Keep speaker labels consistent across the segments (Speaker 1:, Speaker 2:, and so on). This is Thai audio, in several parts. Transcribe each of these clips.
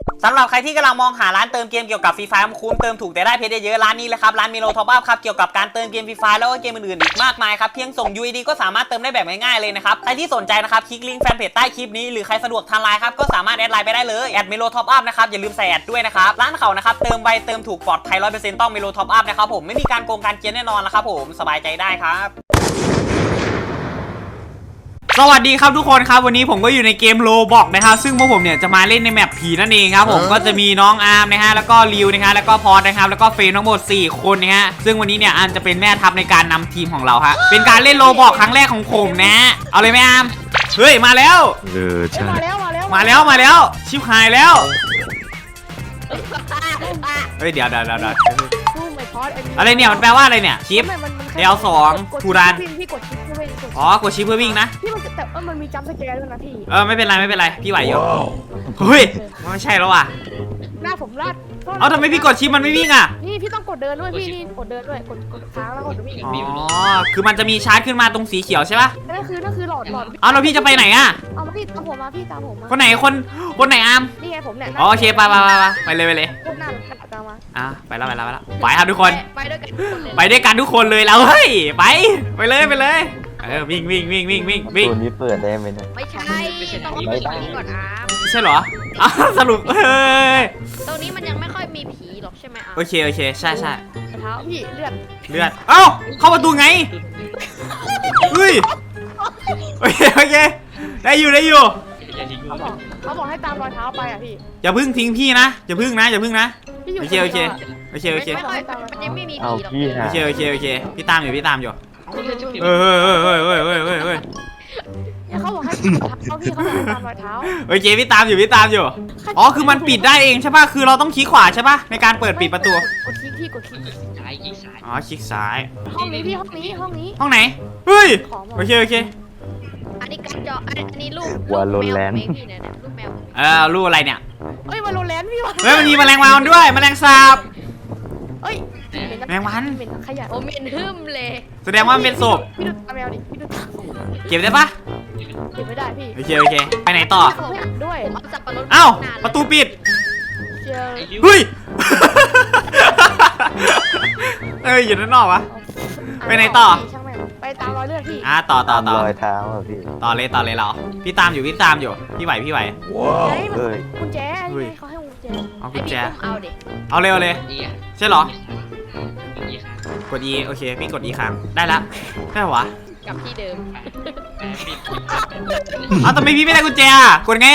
Speaker 1: สำหรับใครที่กำลังมองหาร้านเติมเกมเกี่ยวกับฟรีไฟร์คุ้มเติมถูกแต่ได้เพชรเยอะร้านนี้เลยครับร้านมิโลท็อปอัพครับเกี่ยวกับการเติมเกมฟรีไฟร์แล้วก็เกมอื่นๆอีกมากมายครับเพียงส่ง UID ก็สามารถเติมได้แบบง่ายๆเลยนะครับใครที่สนใจนะครับคลิกลิงก์แฟนเพจใต้คลิปนี้หรือใครสะดวกทางไลน์ครับก็สามารถแอดไลน์ไปได้เลยแอดมิโลท็อปอัพนะครับอย่าลืมใส่แอดด้วยนะครับร้านเขานะครับเติมไวเติมถูกปลอดภัย 100% ต้องมิโลท็อปอัพนะครับผมไม่มีการโกงการเกียร์แน่นอนนะครับผมสบายใจได้ครับสวัสดีครับทุกคนครับวันนี้ผมก็อยู่ในเกมโลบอกนะครับซึ่งพวกผมเนี่ยจะมาเล่นในแมปผีนั่นเองครับผมก็จะมีน้องอาร์มนะฮะแล้วก็ริวนะฮะแล้วก็พอดนะครับแล้วก็เฟรมทั้งหมด4คนนะฮะซึ่งวันนี้เนี่ยอาร์มจะเป็นแม่ทัพในการนำทีมของเราฮะเป็นการเล่นโลบอกครั้งแรกของผมนะเอาเลยไหมอาร์มเฮ้ยมาแล้ว
Speaker 2: ใช่
Speaker 1: มาแล้วชิบหายแล้วเฮ้ยเดี๋ยวอะไรเนี่ยมันแปลว่าอะไรเนี่ยชิปL2 ทูรัน
Speaker 3: พี่กดชิปเพื่อวิ่ง
Speaker 1: อ๋อกดชิปเพื่อวิ่งนะ
Speaker 3: พี่มันแต่มันมีจัมป์สแกร์ด้วยนะพี่
Speaker 1: ไม่เป็นไรพี่ไหวอยู่เฮ้ยไม่ใช่แล้วว่ะ
Speaker 3: หน้าผมลาด
Speaker 1: เอาทำไมพี่กดชิปมันไม่วิ่งอ่ะ
Speaker 3: นี่พี่ต้องกดเดินด้วยพี่นี่กดเดินด้วยกดค้างแล้วกดวิ่ง
Speaker 1: อ๋อคือมันจะมีชาร์จขึ้นมาตรงสีเขียวใช่ป่ะ
Speaker 3: นั่นคือหลอด
Speaker 1: เอาแล้วพี่จะไปไหนอ่ะ
Speaker 3: เอามาพี่ตามผมมาพี่ตามผมมา
Speaker 1: คนไหนคนไหนอาร์ม
Speaker 3: นี่ไงผมเนี่ย
Speaker 1: โอเคไปเลย
Speaker 3: พวกหน้าตามมา
Speaker 1: ไปครับทุกคน
Speaker 3: ไปด้วย
Speaker 1: กันทุกคนเลยแล้วเฮ้ยไปเลยวิ่ง
Speaker 2: ตัวนี้เปิดได้ไหมเนี่ย
Speaker 3: ไม่ใช่ต้องมีผีก่อนอาร์ม
Speaker 1: ไม่ใช่เหรอสรุป
Speaker 3: ตรงนี้มันยังไม่ค่อยมีผีหรอกใช่ไหมอาร์ม
Speaker 1: โอเคใช่
Speaker 3: เท้าพี่เลือด
Speaker 1: เอ้าเข้าประตูไงเฮ้ยโอเคได้อยู่
Speaker 3: เขาบอกให้ตามรอยเท้าไปอ่ะพี่
Speaker 1: อย่าพึ่งทิ้งพี่นะอย่าพึ่งนะโอเค
Speaker 3: มันยังไม่มีผีหรอก
Speaker 1: โอเคพี่ตามอยู่
Speaker 3: เขาบอกให้พี่เขาตามรอยเท้า
Speaker 1: โอเคพี่ตามอยู่อ๋อคือมันปิดได้เองใช่ป่ะคือเราต้องคลิกขวาใช่ป่ะในการเปิดปิดประตู
Speaker 3: กดคลิก
Speaker 1: อ๋อคลิกซ้าย
Speaker 3: ห้องนี้พี่ห้
Speaker 1: องไหนเฮ้ยโอเค
Speaker 3: อันนี้การจออันนี้ลูก
Speaker 2: วาโลแรนต์
Speaker 3: ลูกแมว
Speaker 1: ลูกอะไรเนี่ย
Speaker 3: เฮ้ยวาโลแรนต์พี่
Speaker 1: มันมีแมลงวันด้วยแมลงสาบ
Speaker 3: เฮ้ย
Speaker 1: แมลงวัน
Speaker 3: เป็นขยะผมเป็นหึมเลย
Speaker 1: แสดงว่ามันเป็นศพ
Speaker 3: พี่ดูตาแมวดิพี่ดู
Speaker 1: เก็บได้ปะ
Speaker 3: เก็บไม่ได้พี่
Speaker 1: โอเคไปไหนต่อ
Speaker 3: ด้วย
Speaker 1: เอ้าประตูปิดเฮ้ยอยู่ด้านนอกวะไปไหนต่อ
Speaker 3: ไปตามรอยเลือดพี่
Speaker 1: ต่อ
Speaker 2: รอยเท้าอ่ะพี่
Speaker 1: ต่อเลยเราพี่ตามอยู่พี่ไหว
Speaker 2: ว้าว
Speaker 3: กุญแจเขาให้กุญแจ
Speaker 1: เอากุญแจ
Speaker 3: เอา
Speaker 1: เลยใช่เหรอ กด E โอเคพี่กด E ค้างได้แล้วได้หรอวะ
Speaker 3: กลับที่เดิม
Speaker 1: ทำไมพี่ไม่ได้กุญแจกดไง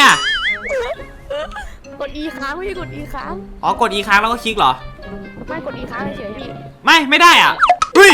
Speaker 3: กด E ค้างไม่ใช่กด E ค้าง
Speaker 1: กด E ค้างแล้วก็คลิกเหรอ
Speaker 3: ไม่กด E ค้างเฉยพี่
Speaker 1: ไม่ได้เฮ้ย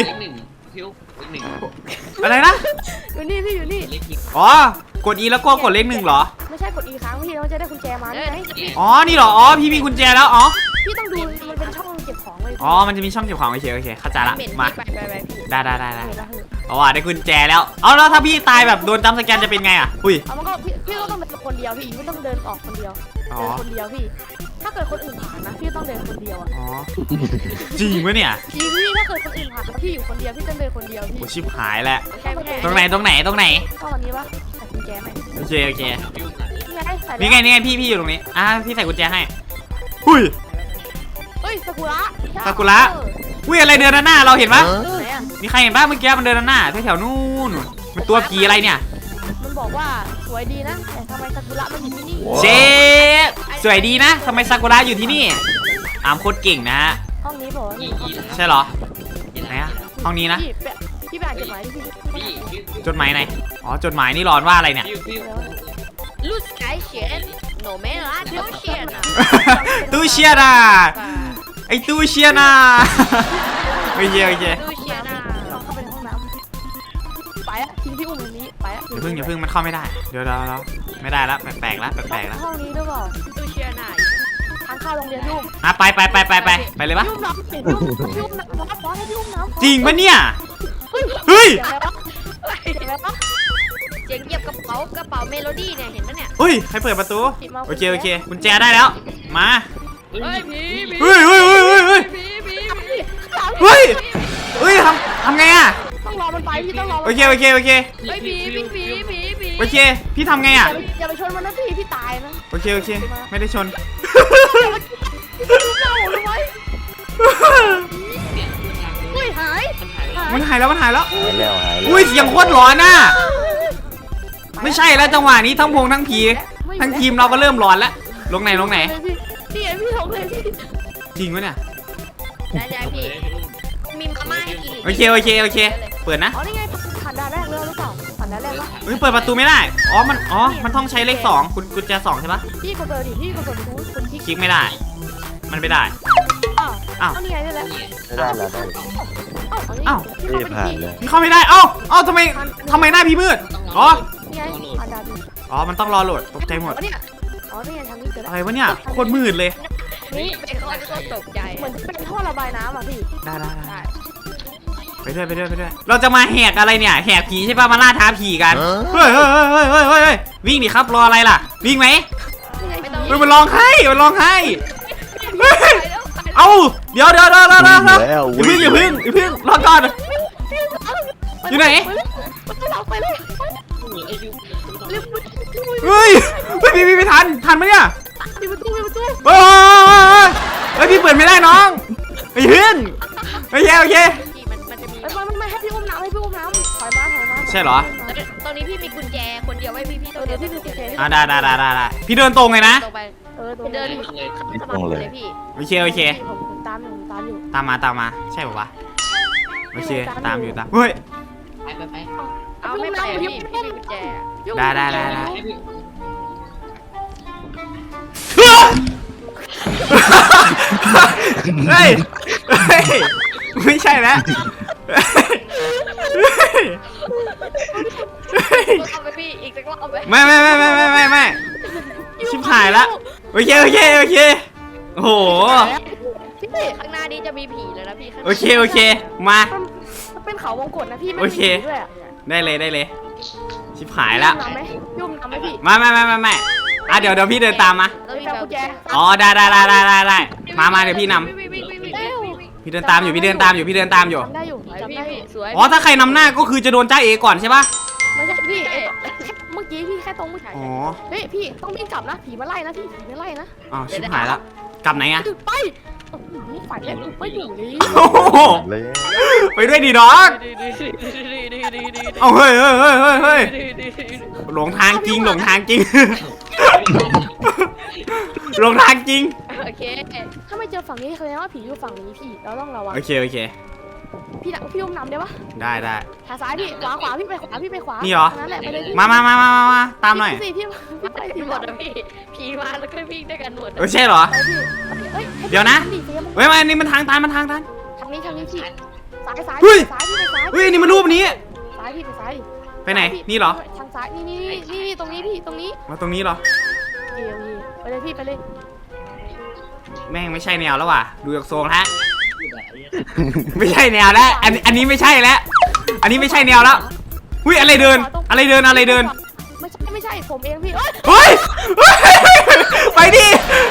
Speaker 1: อะไรนะ
Speaker 3: อยู่นี่พี่อยู่นี่
Speaker 1: กด E แล้วก็กดเลข 1เหรอ
Speaker 3: ไม่ใช่กด E ค้างพี่เราจะได้กุญแจมาไง
Speaker 1: นี่เหรอพี่มีกุญแจแล้ว
Speaker 3: พี่ต้องดูมันเป็นช่องเก็บของเลย
Speaker 1: มันจะมีช่องเก็บของโอเคเข้าใจละมาได้ได้กุญแจแล้วแล้วถ้าพี่ตายแบบโดนจัมป์สแกนจะเป็นไงอุ้ย
Speaker 3: มันก็พี่ก็ต้องเป็นคนเดียวพี่ไม่ต้องเดินออกคนเดียวคนเดียวพี่ถ้าเกิดคนอื่นผ่านนะพี่ต้องเดินคนเดียว
Speaker 1: จริงไหมเนี่ย
Speaker 3: จริงพี่ถ้าเกิดคนอื่นผ่านแล้วพี่อยู่คนเดียวพี่ต้องเดินคนเดียวพี่
Speaker 1: ชิบหายแล้วตรงไหน
Speaker 3: ก็วันนี้วะใส่กุญแจไหม
Speaker 1: โอเคนี่ไงพี่อยู่ตรงนี้พี่ใส่กุญแจให้หุ้ย
Speaker 3: ซากุ
Speaker 1: ระอุ้ยอะไรเดินด้านหน้าเราเห็นปะมีใครเห็นปะเมื่อกี้มันเดินด้านหน้าแถวนู่นมันตัวผีอะไรเนี่ย
Speaker 3: มันบอกว่าสวยดีนะแต่ทำไมซากุระมันอยู่ที่นี่
Speaker 1: เชฟสวยดีนะทำไมซากุระอยู่ที่นี่โคตรเก่งนะ
Speaker 3: ห้องนี้บอก
Speaker 1: ใช่เหรอไหนห้องนี้นะ
Speaker 3: พี่ไปอ่านจดหมายดิพี่
Speaker 1: จดหมายไหนจดหมายนี่ร้อนว่าอะไรเนี่ย
Speaker 3: ลูกไก่เฉียนโนเมล่าตู้เชียน
Speaker 1: ตู้เชียนะไอตู้เชียนะโอเค
Speaker 3: ตู้เชียนะเราเข้าไปในห้องน้ำไปทิ้งพี่อุ้มตรงนี้ไป
Speaker 1: อย่าพึ่งมันเข้าไม่ได้เดี๋ยวไม่ได้แล้วแปลกแล้ว
Speaker 3: ห้องนี้ด้วยเปล่าตู้เชียนะทางเข้าโรงเรียนยุ่ม
Speaker 1: ไปเลยปะ
Speaker 3: ยุ่มน้ำ
Speaker 1: จริงปะเนี่ยเฮ้ย
Speaker 3: เจ๋งเก็บกระเป๋าเมโลดี้เนี่ยเห็นไหมเนี่ย
Speaker 1: ใครเปิดประตูโอเคกุญแจได้แล้วมา
Speaker 3: เ
Speaker 1: ฮ้ยทำไง
Speaker 3: ต้องรอมันไปพี่ต้องรอ
Speaker 1: โอเค
Speaker 3: ผี
Speaker 1: พี่ทำไง
Speaker 3: อย่าไปชนมันนะพี่ตายนะ
Speaker 1: โอเคไม่ได้ชน
Speaker 3: เราทำไมอุ้ยหาย
Speaker 4: มันหายแล้ว
Speaker 2: หายแล้วหายแล้ว
Speaker 4: อุ้ยเสียงโคตรร้อนน่ะไม่ใช่แล้วจังหวะนี้ทั้งพงทั้งผีทั้งทีมเราก็เริ่มร้อนแล้วลงไหน
Speaker 3: พี่ไอพี่ลงเลยพี่
Speaker 4: จริงวะเนี่ย
Speaker 3: ได้พี่มีมาม่าให้กิน
Speaker 4: โอเคเปิดนะ
Speaker 3: อ๋อนี่ไงผ่านด่านแรกเลยหรือเปล่าผ่านด่านแรกวะ
Speaker 4: เฮ้ยเปิดประตูไม่ได้มันต้องใช้เลข2คุณกุญแจ2ใช่ปะ
Speaker 3: พี่กดเปิดดิพี่กดเปิดดูคนคลิก
Speaker 4: คลิกไม่ได้มันไม่ได้
Speaker 3: อ้าวนี่ไงได้แล้ว
Speaker 2: ไม่ได้แล้วได้
Speaker 3: อ้าว
Speaker 2: รีบผ่านเลย
Speaker 4: มันเข้าไม่ได้เอ้าทำไมหน้าพี่มืดอ๋อ
Speaker 3: นี่ไงผ่านด่านดิ
Speaker 4: มันต้องรอโหลดตกใจหมด
Speaker 3: เนี่ยอ๋อนี่ไงทางนี้เจอแล้ว
Speaker 4: อะไรวะเนี่ยโคตรมืดเลย
Speaker 3: นี่เป็นข้อที่ตกใจเหมือนเป็นท่อระบายน้ำอ่ะพี่
Speaker 4: ได้ไปด้วยเราจะมาแหกอะไรเนี่ยแหกผีใช่ปะมาล่าท้าผีกันเฮ้ยวิ่งดิครับรออะไรล่ะวิ่งไหม
Speaker 3: ไม่ต้อง
Speaker 4: เฮ้ยมันร้องไห้เฮ้ยเอ้าเดี๋ยวอย่าพึ่งรอก่อนอยู่ไหน
Speaker 3: มันจะหลับไปเลย
Speaker 4: เฮ้ยพี่ทันไหมเนี่ย
Speaker 3: ปิดประตู
Speaker 4: เฮ้ยพี่เปิดไม่ได้น้องไปพึ่งโอเค
Speaker 3: มันจะมีไม่ให้พี่อุ้มน้ำถอยมา
Speaker 4: ใช่เหรอ
Speaker 3: ตอนนี้พี่มีกุญแจคนเดียวไว้พี่เดี๋ยวพี่มีกุญแจ
Speaker 4: ได้พี่เดินตรงเลยนะ
Speaker 3: ตรงไปเดินสมัครเลยพี่
Speaker 4: โอเค
Speaker 3: ผมตามอยู่
Speaker 4: ตามมาใช่ป่าวะโอเคตามอยู่เฮ้ย
Speaker 5: ไป
Speaker 3: เอาไม่ไปพี่มีกุญแจ
Speaker 4: ได้เฮ้ยไม่ใช่แล้ว
Speaker 3: เอาไปพี่อีกสักรอบเอาไป
Speaker 4: ไม่ชิบหายละโอเคโอ้โห
Speaker 3: พี่ข้างหน้านี้จะมีผีเลยนะพี่
Speaker 4: โอเคมา
Speaker 3: เป็นเขาวงกตนะพี่ไม่
Speaker 4: โอ
Speaker 3: มี
Speaker 4: เค
Speaker 3: ผีด้วย
Speaker 4: ได้เลยชิบหายละ
Speaker 3: ยุ่มน้ำไหมพี่
Speaker 4: ไม่เดี๋ยวพี่เดินตามมา
Speaker 3: แล้วพี่แปลกุญแจ
Speaker 4: อ๋อได้มาเดี๋ยวพี่นำพี่เดินตามอยู่
Speaker 3: จำได้อยู่สวย
Speaker 4: อ๋อถ้าใครนำหน้าก็คือจะโดนจ้าเอก่อนใช่ปะ
Speaker 3: ไม่ใช่พี่เมื่อกี้พี่แค่ตรงผู้ชาย
Speaker 4: อ๋อ
Speaker 3: เฮ้ยพี่ต้องวิ่งกลับนะผีมาไล่นะพี่ผีมาไล่นะ
Speaker 4: อ๋อชิบหายละกลับไหนอะ
Speaker 3: ไปฝันเล่นไปอยู่นี่
Speaker 4: โอ้โห
Speaker 2: เลย
Speaker 4: ไปด้วยดีน้องเอาเฮ้ยหลงทางจริง หลงทางจริง
Speaker 3: โอเคถ้าไม่เจอฝั่งนี้แสดงว่าผีอยู่ฝั่งนี้พี่เราต้องระวัง
Speaker 4: โอเค
Speaker 3: พี่อุ้มน้ำได้ปะ
Speaker 4: ได้
Speaker 3: ขาซ้ายพี่ขวาพี่ไปขวานั่นแหละไปเลย
Speaker 4: มาตามหน่อย
Speaker 3: พี่ไปพี่หมดนะพี่ผีมาแล้วก็วิ่งด้วยกันหมด
Speaker 4: ใช่เหรอ
Speaker 3: ไปพี่เฮ้ย
Speaker 4: เดี๋ยวนะ เฮ้ยอันนี้มันทางตัน
Speaker 3: ทางนี้พี่ซ้ายพี่ไปซ้าย
Speaker 4: เฮ้ยอันนี้มันรูปนี้
Speaker 3: ซ้ายพี่ไปซ้าย
Speaker 4: ไปไหนนี่เหรอ
Speaker 3: ทางซ้ายนี่ตรงนี้พี่ตรงนี้
Speaker 4: มาตรงนี้เหรอ
Speaker 3: ไปเลยพี่ไปเลย
Speaker 4: แม่งไม่ใช่แนวแล้วว่ะดูจากทรงแล้วไม่ใช่แนวแล้วอันนี้ไม่ใช่แล้วอันนี้ไม่ใช่แนวแล้วหุ้ยอะไรเดิน
Speaker 3: ไม่ใช่ผมเองพี่
Speaker 4: เฮ้ยไปดิ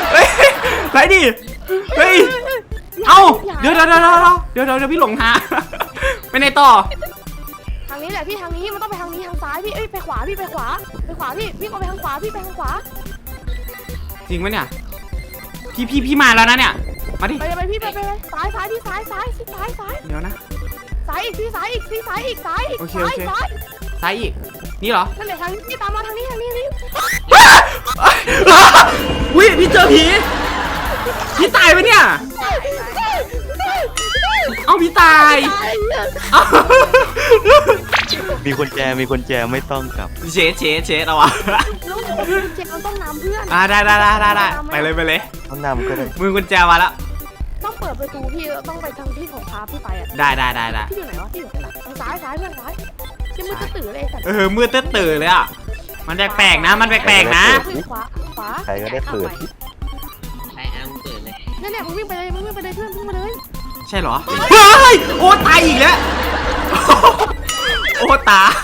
Speaker 4: เฮ้ยเอ้าเดี๋ยวพี่หลงทางไปไหนต่อ
Speaker 3: ทางนี้แหละพี่ทางนี้มันต้องไปทางนี้ทางซ้ายพี่เอ้ยไปขวาพี่วิ่งออกไปทางขวาพี่ไปทางขวา
Speaker 4: จริงไหมเนี่ยพี่มาแล้วนะเนี่ยมาดิ
Speaker 3: ไปพี่ไปซ้ายพี่ซ้าย
Speaker 4: เดี๋ยวนะ
Speaker 3: ซ้ายอีกพี่ซ้ายอีกซ้าย
Speaker 4: โอเคซ้ายอีกนี่เหรอ
Speaker 3: นั่นแหละทางนี้พี่ตามมาทางนี้
Speaker 4: อุ้ยพี่เจอผีพี่ตายไปเนี่ยเอ้าพี่ตายเอ้า
Speaker 2: มีคนแจไม่ต้องกลับ
Speaker 4: เชดเอาวะ
Speaker 3: แล้วเจ็บมันต้องน้ำเพื่อน
Speaker 4: ได้ไปเลย
Speaker 2: ต้องนำก็ได้
Speaker 4: มือกุญแจมาแล้ว
Speaker 3: ต้องเปิดประตูพี่ต้องไปทางที่ของค้าพี่ไปอ่ะ
Speaker 4: ได้
Speaker 3: พี่อยู่ไหนวะพี่อยู่ทางซ้ายเพื่อนซ้ายยังมือตื่นเลยสัตว์
Speaker 4: มือตื่นเลยอ่ะมันแปลกๆนะ
Speaker 3: ขวา
Speaker 2: ใครก็ได้เปิด
Speaker 5: ใครอาร์มเปิดเลย
Speaker 3: เนี่ยมึงวิ่งไปเลยเพื่อนวิ่งมาเลย
Speaker 4: ใช่เหรอเฮ้ยโอ้ตายอีกแล้วโอ้ตาย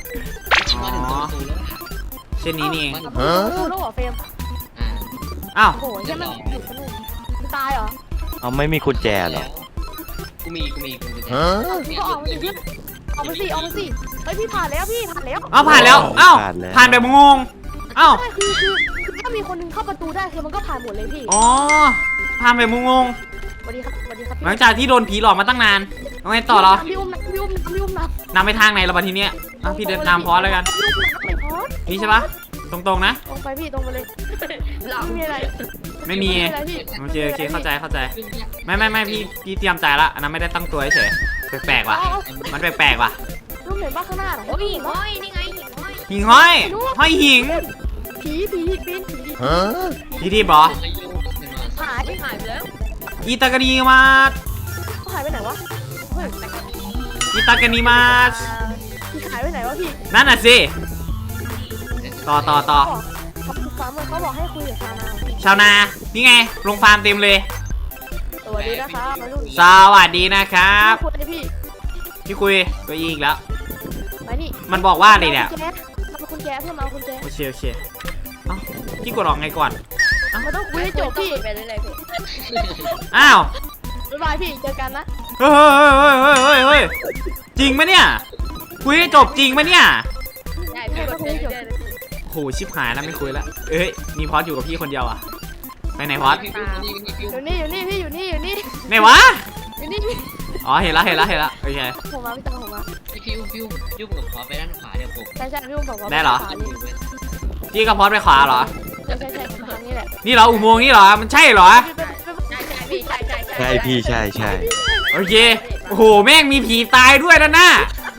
Speaker 4: เช่นนี้นี่เอง
Speaker 3: ดูแล้วเหรอเฟรม
Speaker 4: อ้าว
Speaker 3: โอ้โหยังมันอยู่สนุกมันตายเหรอ
Speaker 2: เอาไม่มีกุญแจเหรอ
Speaker 5: กูมี
Speaker 3: ก็ออกมาสิเพื่อนออกมาสิเฮ้ยพี่ผ่านแล้ว
Speaker 4: อ้าวผ่านแล้วอ้าวผ่านแบบงงอ้าว
Speaker 3: คือถ้ามีคนนึงเข้าประตูได้คือมันก็ผ่านหมดเลยพี่
Speaker 4: อ๋อพามแบบงง
Speaker 3: สวัสดีครับสวัสดีครับ
Speaker 4: ๆหลังจากที่โดนผีหลอกมาตั้งนานเอาไงต่อเหรอ
Speaker 3: พี่อุ้มนะพี่อุ้มนะพี่อุ้มนะ
Speaker 4: นำไปทางไหนละบัดทีเนี้ยอ่ะพี่เดินตามพอสแล้วกัน
Speaker 3: พี่อุ้มนะไม่พอส
Speaker 4: นี่ใช่ปะตรงๆนะ
Speaker 3: ตรงไปพี่ตรงไปเลยไม่มีอะไร
Speaker 4: ไม่มี
Speaker 3: อะไรพี่
Speaker 4: โอเคเข้าใจไม่พี่เตรียมใจละอันนั้นไม่ได้ตั้งตัวเฉยแปลกๆว่ะมันแปลกๆว่ะ
Speaker 3: ลูกเห็นบ้าข้างหน้าเหรอ
Speaker 6: โอ้ยหิ่งห้อยนี่ไงหิ่งห้อย
Speaker 4: หิ่งห้อยห้อยหิ่ง
Speaker 3: ผีปีนผี
Speaker 4: พี่ที่บอ
Speaker 3: หาย
Speaker 6: หายไปแล้ว
Speaker 4: อีตากานีมา
Speaker 3: หายไปไหนวะเฮ้ย
Speaker 4: อีตากานีมา
Speaker 3: พี่หายไปไหนวะพี่
Speaker 4: นั่นน่ะสิต่อ
Speaker 3: เขาฟาร์มเขาบอกให้คุยกับชาวนา
Speaker 4: ชาวนานี่ไงลงฟาร์มเต็มเลย
Speaker 3: สวัสดีนะครับมาลูก
Speaker 4: สวัสดีนะครับ
Speaker 3: คุยพี่
Speaker 4: พี่คุยตัวอีกแล้ว
Speaker 3: ไปนี่
Speaker 4: มันบอกว่าอะไรเนี่ย
Speaker 3: มาคุณแจเพื่อนมาคุณแจ
Speaker 4: โอเคเอ้าพี่กดออกไงก่อน
Speaker 3: มันต้องคุยให้จบพี่
Speaker 6: ไปเรื่อยๆพี่
Speaker 4: อ้าว
Speaker 3: บ๊ายบายพี่เจอกันนะ
Speaker 4: เฮ้ยจริงไหมเนี่ยคุยให้จบจริงไหมเนี่ย
Speaker 6: ได้พี่กดไปเรื่อยๆเลย
Speaker 4: โหชิบหายแล้วไม่คุยแล้วเอ้ยมีพอดอยู่กับพี่คนเดียวอ่ะไปไหนพอด
Speaker 5: พี่ฟิวนี่พี่ฟิว
Speaker 3: อยู่นี่พี่อยู่นี่
Speaker 4: ไหนวะ
Speaker 3: อยู่นี่พี่
Speaker 4: อ๋อเห็นละโอเค
Speaker 3: ผมมาพี่ตามผมมา
Speaker 5: พี่ฟิวยุ่งกับขอไปด้านขวาเดี๋ยวผม
Speaker 3: ใช่พี่อุ้มบอกว่า
Speaker 4: พี่กับพอดไปขวาเหรอ
Speaker 3: ใช่ผมทางนี้แหละ
Speaker 4: นี่เหรออุโมงค์นี่เหรอมันใช่เหรอ
Speaker 6: ใช่พี่ใช่
Speaker 2: ใช่พี่ใช่
Speaker 4: โอเคโอ้โหแม่งมีผีตายด้วยนะน่ะ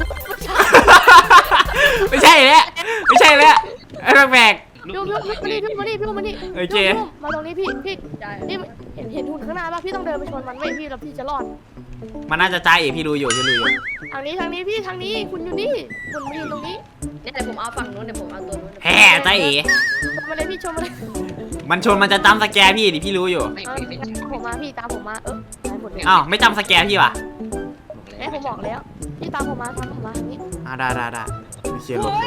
Speaker 4: ไม่ใช่แล้วไอ้แปลก
Speaker 3: พี่มานี่มาตรงนี้พี่นี่เห็นหุ่นข้างหน้าป่ะพี่ต้องเดินไปชนมันไม่พี่แล้วพี่จะรอด
Speaker 4: ๆมันน่าจะใจเอ๋พี่รู้อยู่
Speaker 3: ทางนี้พี่ทางนี้คุณอยู่นี่คุณมายืนตรงนี้
Speaker 6: เนี่ยแต่ผมเอาฝั่งนู้นเดี๋ยวผมเอาตัวนู้น
Speaker 4: แห่ใจเอ๋
Speaker 3: ชมมาเลยพี่ชมมาเลย
Speaker 4: มันชนมันจะจำสแกร์พี่ดิพี่รู้อยู่
Speaker 5: ไม่เป็น
Speaker 3: ผมมาพี่ตามผมมาตายหมดเลย
Speaker 4: อ้าวไม่จำสแกร์พี่วะ
Speaker 3: แม่ผมบอกแล้วพี่ตามผมมาทางนี้
Speaker 4: ได้เชียร์ลง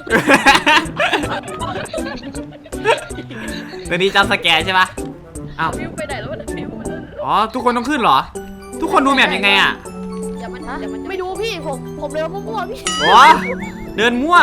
Speaker 4: ตัวนี้จำสแกร์ใช่ปะอ้าว
Speaker 6: ฟิวไปไหนแล้วมันฟิวมัน
Speaker 4: อ๋อทุกคนต้องขึ้นเหรอ ทุกคนดูแมพยังไงอ่ะ
Speaker 6: อย่ามัน
Speaker 3: ฮะ
Speaker 6: อย่ามัน
Speaker 3: ไม่ดูพี่ผมเร็วมั่วพี่
Speaker 4: โอ้เดินมั่ว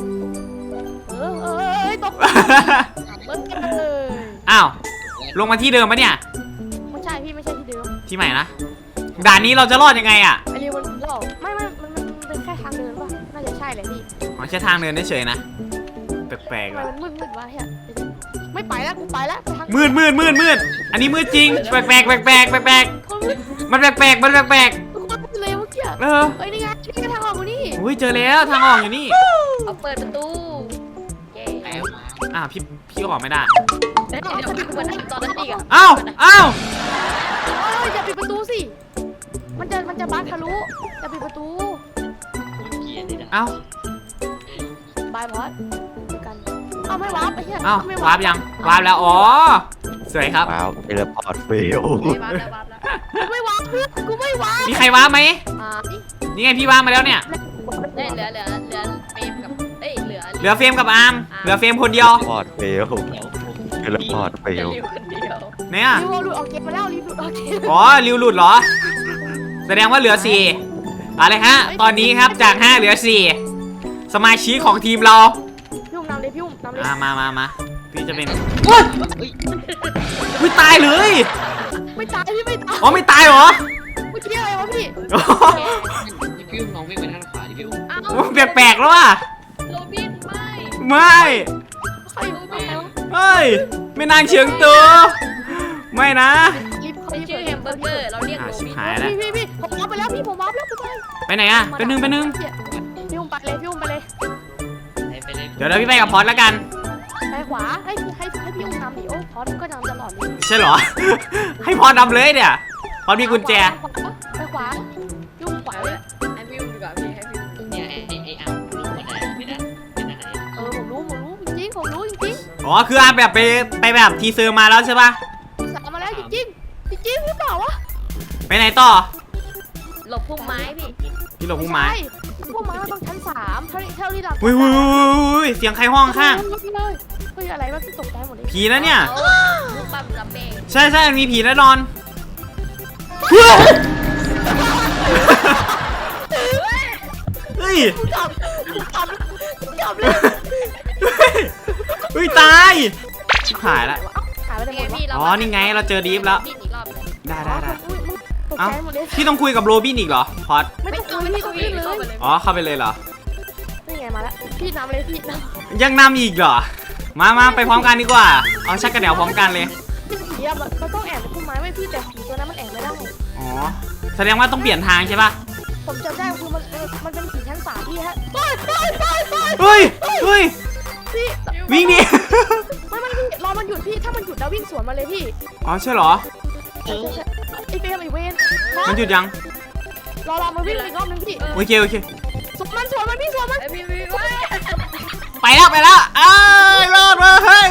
Speaker 3: ตกเบิ้ลเลย
Speaker 4: อ้าวลงมาที่เดิมปะเนี่ย
Speaker 3: ไม่ใช่พี่ไม่ใช่ที่เดิม
Speaker 4: ที่ใหม่นะด่านนี้เราจะรอดยังไงอ่ะ
Speaker 3: ไอเรียมันหลอกไม่มันเป็นแค่ทางเดินป่ะน่าจะใช่แหละพี่
Speaker 4: อ๋อแค่ทางเดินเฉยๆนะแปลก
Speaker 3: ทำ
Speaker 4: ๆ
Speaker 3: ไม
Speaker 4: ว่ะ
Speaker 3: มันมืดวะเฮียไม่ไปแล้วกูไปแล้วทาง
Speaker 4: มืดอันนี้มืดจริงแปลกมันแปลกมันแปลก
Speaker 3: กูเลยเมื่อกี้
Speaker 4: เออ
Speaker 3: เฮ้ยนี่ไงทางออกมานี่
Speaker 4: อุ้ยเจอแล้วทางออกอยู่นี่
Speaker 6: เอาเปิดประตูเย้
Speaker 5: แล้ว
Speaker 4: อ้าวพี่ก็ออกไม่ได้
Speaker 6: เดี๋ยวเหมือนตอนนั้นอีกอ่ะ
Speaker 4: อ้าว
Speaker 3: อย่าปิดประตูสิมันจะบั๊กทะลุอย่าปิดประตู
Speaker 5: เกียร์นี่นะ
Speaker 4: อ้าว
Speaker 3: บายพอดกันเอาไม่วาร์ปไอ้เหี้ย
Speaker 4: อ้าว
Speaker 3: ไม่
Speaker 4: วาร์ปยังวาร์ปแล้วอ๋อสวยครับ
Speaker 2: ว้าวเทเลพอร์ตเฟล
Speaker 6: วาร์ปแล้ว
Speaker 3: กูไม่วาร์ปเพื่อนกูไม่วาร์ป
Speaker 4: มีใครวาร์ปไหม
Speaker 3: นี่
Speaker 4: นี่ไงพี่วาร์ปมาแล้วเนี่ย
Speaker 6: ได้เหลือเฟรมกับเอ้ยเหลือ
Speaker 4: เหลือเฟรมกับอาร์มเหลือเฟรมคนเดียว
Speaker 2: พอร์ตเฟล
Speaker 5: เดี๋ยวผม
Speaker 2: เทเลพอร์ตเฟล
Speaker 6: อยู่คนเดียว
Speaker 4: เนี่ย
Speaker 3: รีวหลุดออกเกมมาแล้วรีวหลุดออกเกม
Speaker 4: อ๋อริวหลุดเหรอ แสดงว่าเหลือ4อะไรฮะตอนนี้ครับจาก5เหลือ4สมาชิกของทีมเรา
Speaker 3: พี่อุ้มนำเลยพี่อุ้มนำเลย
Speaker 4: มาพี่จะเป็นอุ้ยตายเลย
Speaker 3: ไม่ตายพี่ไม่ตาย
Speaker 4: อ๋อไม่ตายเหรอ
Speaker 3: เมื่อกี้อะไรวะพี่
Speaker 4: อ๋อ
Speaker 5: พี่ฟิวลองวิ่งไปด้านขวาดิฟิว
Speaker 6: อ้าว
Speaker 4: แปลกๆแล้วว่ะ
Speaker 6: โรบินไม่
Speaker 4: ไม่
Speaker 3: ใครใครวะ
Speaker 4: เฮ้ยไม่นางเฉียงตัวไม่นะ
Speaker 3: รีบ
Speaker 6: ชื่อแฮมเบอร์เกอร์เราเรียกโร
Speaker 4: ชิบ
Speaker 6: บิน
Speaker 4: หายแล้ว
Speaker 3: พี่ผมวาร์ปไปแล้วพี่ผมวาร์ปแล้วไป
Speaker 4: ไปไหนอะไปนึง
Speaker 3: พี่อุ้มไปเลยพี่อุ้มไปเลย
Speaker 5: ไปเลย
Speaker 4: เดี๋ยวพี่ไปกับพอดแล้วกัน
Speaker 3: ไปขวาให้พี่อุ้มนำดิโอ้พอดก็นำตลอดเลย
Speaker 4: ใช่เหรอ ให้พอดนำเลยเนี่ยพอดมีกุญแจ
Speaker 3: ไปขวายุ่งขวาเลย
Speaker 6: ให้พี่ดูดีกว่าพี่ให้พี่ดู
Speaker 5: เนี่ยไอ้อาร์มรู้ว่าไหนไม่ได้ไม่ได้ไหน
Speaker 3: ผมรู้จริงผมรู้จริง
Speaker 4: อ๋อคืออาแบบไปแบบทีเซอร์มาแล้วใช่ปะ
Speaker 3: สามมาแล้วจริงหรือเปล่าวะ
Speaker 4: ไปไหนต่อ
Speaker 6: หลบพุ่มไม้พี่
Speaker 4: พี่หลบพุ่มไม้
Speaker 3: พวกมันต้องชั้น3เท่าที่หลับ
Speaker 4: อุ้ยเสียงใครห้องข้าง
Speaker 3: เลยเฮ้ยอะไรวะที่ตกใจหมดเลย
Speaker 4: ผีนะเนี่ย
Speaker 6: ลูกปั๊มรับเอง
Speaker 4: ใช่มีผีแน่นอนเฮ้ย
Speaker 3: จับเลย
Speaker 4: เฮ้ยตายชิบหายละ
Speaker 3: หายไปไหน
Speaker 6: นี่
Speaker 3: หม
Speaker 6: ไง
Speaker 3: ดวะ
Speaker 6: พี่เรา
Speaker 4: อ๋อนี่ไงเราเจอดีฟแล้ว
Speaker 6: ดิ้นอีกรอบหนึ่ง
Speaker 4: ได้ได้ได้
Speaker 3: อุ๊ยมึงตก
Speaker 4: เอ้า
Speaker 3: ใจหมดเลย
Speaker 4: พี่ต้องคุยกับโรบินอีกเหรอพอด
Speaker 3: ไม่ต้องคุยพี่ต้องขึ้นเลย
Speaker 6: เข้าไปเลย
Speaker 4: อ๋อเข้าไปเลยเหรอ
Speaker 3: นี่ไงมาแล้วพี่นำเลยพี่นำ
Speaker 4: ยังนำอีกเหรอมาไปพร้อมกันดีกว่าเอาชักกระเดี่ยวพร้อมกันเลย
Speaker 3: ผีอะมันต้องแอบในพุ่มไม้ไว้พี่แต่ผีตัวนั้นมันแอบไม่ได้
Speaker 4: อ๋อแสดงว่าต้องเปลี่ยนทางใช่ป่ะ
Speaker 3: ผมจำได้คือมันเป็นผีชั้น3พี่ฮะไป
Speaker 4: เฮ้ยเฮ้ย
Speaker 3: พี่
Speaker 4: วิ่งดิ
Speaker 3: ไม่พี่รอมันหยุดพี่ถ้ามันหยุดแล้ววิ่งสวนมาเลยพี่
Speaker 4: อ๋อใช่เหรอ
Speaker 3: ใช่ไอเฟรมไอเวน
Speaker 4: มันหยุดยัง
Speaker 3: รอมันวิ่งอีกรอบนึงพี่
Speaker 4: โอเคโอเค
Speaker 3: สวนมันพี่สวนมัน
Speaker 6: ไอพี่พี่ว่า
Speaker 4: ไปแล้วเอ้ยรอดเลยเฮ้ย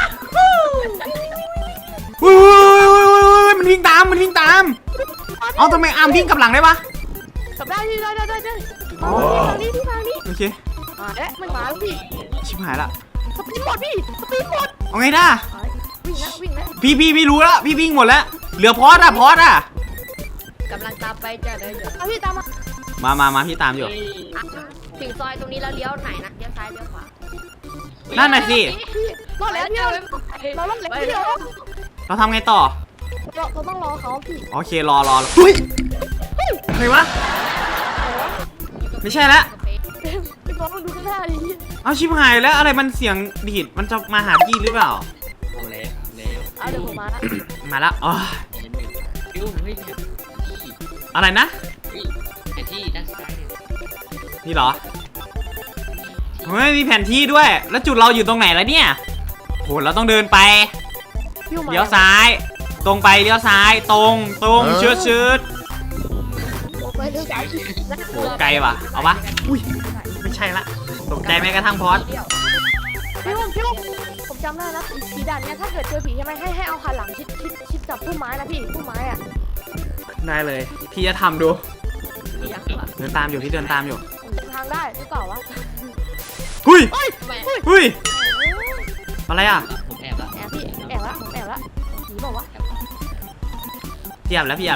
Speaker 4: มันวิ่งตามเอาทำไมอาร์มวิ่งกลับหลังได้ปะ
Speaker 3: กลับได้พี่ได้ทางนี้ที่ทางนี้
Speaker 4: โอเค
Speaker 3: เอ๊ะมันมาแล้วพี่
Speaker 4: ชิบหายละ
Speaker 3: สปีดหมดพี่สปีดหมด
Speaker 4: เอาไงด้า
Speaker 3: วิ่งนะ
Speaker 4: พี่รู้แล้วพี่วิ่งหมดแล้วเหลือพอดอะ
Speaker 6: กำลังตามไปจ้ะเดี๋ยว
Speaker 3: เอาพี่ตามมา
Speaker 4: มาพี่ตามอยู่
Speaker 6: ถึงซอยตรงนี้แล้วเลี้ยวไหนนะเลี้ยวซ้ายเลี้ยวขวา
Speaker 4: นั่นน่ะสิ
Speaker 3: พี่รอดแล้วพี่เรารอดแล้วพี่
Speaker 4: เราทำไงต่อ
Speaker 3: เราต้องรอเขาพี่
Speaker 4: โอเครอเฮ้ยอะไรวะไม่ใช่แล้ว
Speaker 3: พี่น้องดูข้างหน้าดิ
Speaker 4: เอาชิบหายแล้วอะไรมันเสียงดีดมันจะมาหาพี่หรือเปล่า
Speaker 5: เอาแล้ว
Speaker 3: เอาเดี๋ยวผมมาละ
Speaker 4: มาแล้วอ๋อ
Speaker 5: พี่อุ้มเฮ้ย
Speaker 4: อะไรนะ
Speaker 5: ไอ้ที่ด้านซ้ายเนี่ย
Speaker 4: นี่เหรอเฮ้ยมีแผนที่ด้วย แล้วจุดเราอยู่ตรงไหนแล้วเนี่ยโหเราต้องเดินไปเลี้ยวซ้าย ตรงไปเลี้ยวซ้ายตรงชืด
Speaker 3: ไปเรื่อง
Speaker 4: โหไกลว่ะเอาปะอุ้ยไม่ใช่ละตกใจแม้กระทั่งพอด
Speaker 3: พี่ผมจำได้นะผีด่านเนี้ยถ้าเกิดเจอผีใช่ไหมให้เอาหันหลังชิดกับพุ่มไม้นะพี่พุ่มไม้อ่ะ
Speaker 4: ได้เลยพี่จะทำดู
Speaker 6: อยากว่ะ
Speaker 4: เดินตามอยู่พี่เดินตามอยู่
Speaker 3: ผมจำทางได้หรือเปล่าวะ
Speaker 4: หุ้ย
Speaker 6: ทำไม
Speaker 4: หุ้ยอะไรอ่ะ
Speaker 5: ผมแอบละ
Speaker 3: แอบพี่แอบละผีบอกว่า
Speaker 4: พี่แอบแล้ว
Speaker 5: เปิดเสียง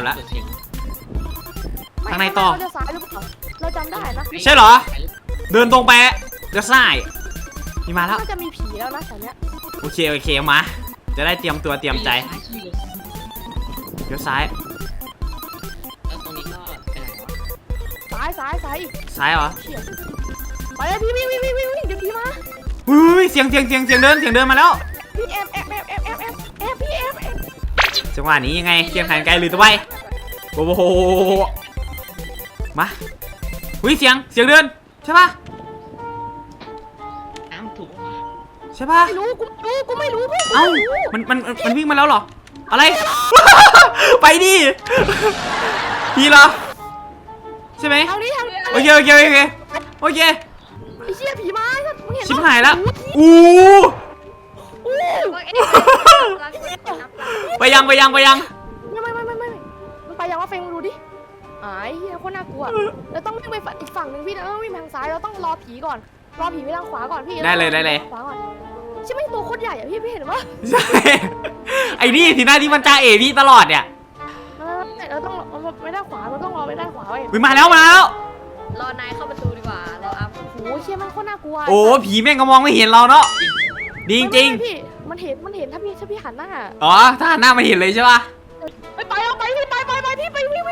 Speaker 4: ทางไหนต่อ
Speaker 3: เลี้ยวซ้ายหรือเปล่าเราจำได้นะ
Speaker 4: ใช่เหรอ เดินตรงไปเลี้ยวซ้ายพี่มาแล้ว
Speaker 3: น่าจะมีผีแล้วนะแถวเนี้ย
Speaker 4: โอเคมาจะได้เตรียมตัวเตรียมใจเลี้ยวซ้าย
Speaker 5: แล้วตรงนี้ก็ไปไหนวะ
Speaker 3: ซ้ายอีก
Speaker 4: ซ้ายเหรอ
Speaker 3: เฉียบไปเลยพี่วิ่งเดี๋ยวผีมา
Speaker 4: หุ้ยเสียงเดินมาแล้ว
Speaker 3: พี่แอบพี่แอบ
Speaker 4: จังหวะนี้ยังไงเคียงขันไกลหรือตัวไปโอ้โหมาหุ้ยเสียงเดินใช่ปะ
Speaker 5: อ้าวถูก
Speaker 4: ใช่ปะ
Speaker 3: ไม่รู้กูไม่รู้
Speaker 4: เอ้ามันวิ่งมาแล้วเหรออะไร ไปดิพี่เหรอใช่ไหม
Speaker 3: ทางนี้
Speaker 4: โอเค
Speaker 3: ไอ้เชี่ยผีมามึงเห็น
Speaker 4: ชิบหายแล้วอู้ ไปยัง
Speaker 3: ไม่มันไปยังว่าเฟงดูดิไอ้เหี้ยโคตรน่ากลัวเราต้องวิ่งไปอีกฝั่งหนึ่งพี่นะวิ่งทางซ้ายเราต้องรอผีก่อนรอผีไปทางขวาก่อนพี่ขวาก่อนใช่ไหมตัวโคตรใหญ่อะพี่เห็นปะ
Speaker 4: ใช่ไอ้นี่ทีหน้าที่มันจ้าเอพี่ตลอดเนี่ย
Speaker 3: เราต้องไปด้านขวาเราต้องรอไปด้านขวาเว้ย
Speaker 4: มาแล้ว
Speaker 6: รอนายเข้าประตูดีกว่าเราอัพ
Speaker 3: โอ้เชี่ยมันโคตรน่ากลัว
Speaker 4: โอ้ผีแม่งก็มองไม่เห็นเราเนาะดีจริง
Speaker 3: พี่มันเห็นถ้าพี่หันหน้า
Speaker 4: อ๋อถ้าหันหน้ามันเห็นเลยใช่ปะ
Speaker 3: ไปเอาไปพี่ไปพี่ไปวิ่ง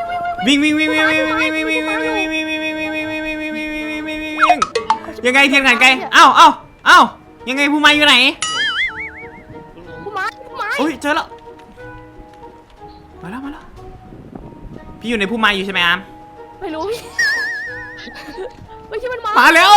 Speaker 4: ยังไงเทียนขันไกลเอ้ายังไงผู้มาอยู่ไหน
Speaker 3: ผู้ไม้
Speaker 4: โอ้ยเจอแล้วมาแล้วพี่อยู่ในผู้มาอยู่ใช่ไหมอาม
Speaker 3: ไม่รู้พี่ไม่ใช่มัน
Speaker 4: มาแล้ว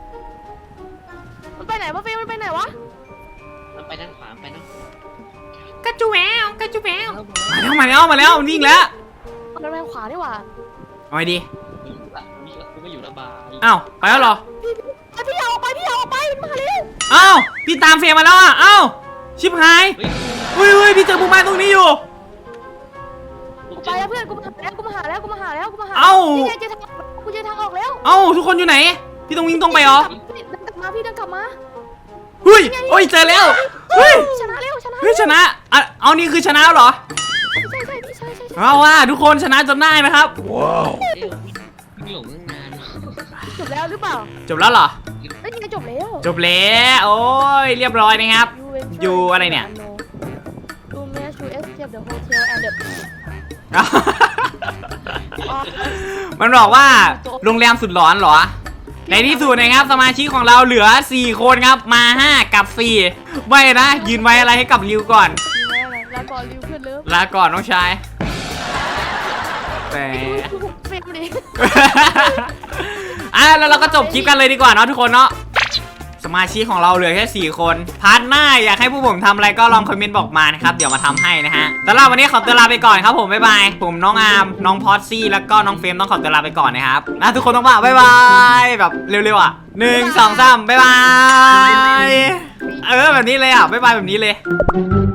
Speaker 3: มันไปไหนวะเฟมันไปไหนวะ
Speaker 5: มันไปด้านขวาไปเนาะ
Speaker 4: กระจูแววมาแล้วมันวิ่งแล้ว
Speaker 3: มันไปทางขวานี่หว่า
Speaker 4: เอาไงดี
Speaker 5: กูไม่อยู่ระบาย
Speaker 4: อ้าวไปแล้วเหรอ
Speaker 3: พี่เอาไปมันมาเร็ว
Speaker 4: อ้าวพี่ตามเฟรมมาแล้วอ่ะอ้าวชิบหายเฮ้ยพี่เจอผู้มาตรงนี้อยู่
Speaker 3: ไปแล้วเพื่อนกูมาหาแล้ว
Speaker 4: เอ้า
Speaker 3: นี่เจอทางกูเจอทางออกแล้ว
Speaker 4: เอ้าทุกคนอยู่ไหนพี่ต้องวิ่งตรงไปเหรอ
Speaker 3: พี่เดินกลับมา
Speaker 4: เฮ้ยโอ้ยเจอแล้วเฮ้ย
Speaker 3: ชนะ
Speaker 4: เฮ้ยชนะอ่ะเอานี่คือชนะแล้วเหรอ
Speaker 3: ใช่
Speaker 4: เอาว่าทุกคนชนะจนได้นะครับ
Speaker 5: พี่หลงตั้งนาน
Speaker 3: จบแล้วหรือเปล่า
Speaker 4: จบแล้วเหรอ
Speaker 3: ไม่จริงจบแล้ว
Speaker 4: จบแล้วโอ้ยเรียบร้อยนะครับ
Speaker 3: ยูเวน
Speaker 4: อยู่อะไรเนี่ย
Speaker 3: You managed to escape the hotel and the
Speaker 4: มันบอกว่าโรงแรมสุดหลอนเหรอ ในที่สุดนะครับสมาชิกของเราเหลือ 4 คนครับมา 5 กับ 4 ไม่นะ ยืนไว้อะไรให้กับริวก่อน
Speaker 3: แล้วก่อนริวขึ้นเลิฟ
Speaker 4: ลาก่อนน้องชายแต่
Speaker 3: เฟรมดิ
Speaker 4: แล้วเราก็จบคลิปกันเลยดีกว่าเนาะทุกคนเนาะสมาชิกของเราเหลือแค่4 คนพาร์ทหน้าอยากให้พวกผมทำอะไรก็ลองคอมเมนต์บอกมานะครับเดี๋ยวมาทำให้นะฮะสำหรับวันนี้ขอตัวลาไปก่อนครับผมบ๊ายบายผมน้องอาร์มน้องพอดซี่แล้วก็น้องเฟรมต้องขอตัวลาไปก่อนนะครับทุกคนต้องบอกบ๊ายบายแบบเร็วๆอ่ะ1 2 3บ๊ายบายแบบนี้เลยอ่ะบ๊ายบายแบบนี้เลย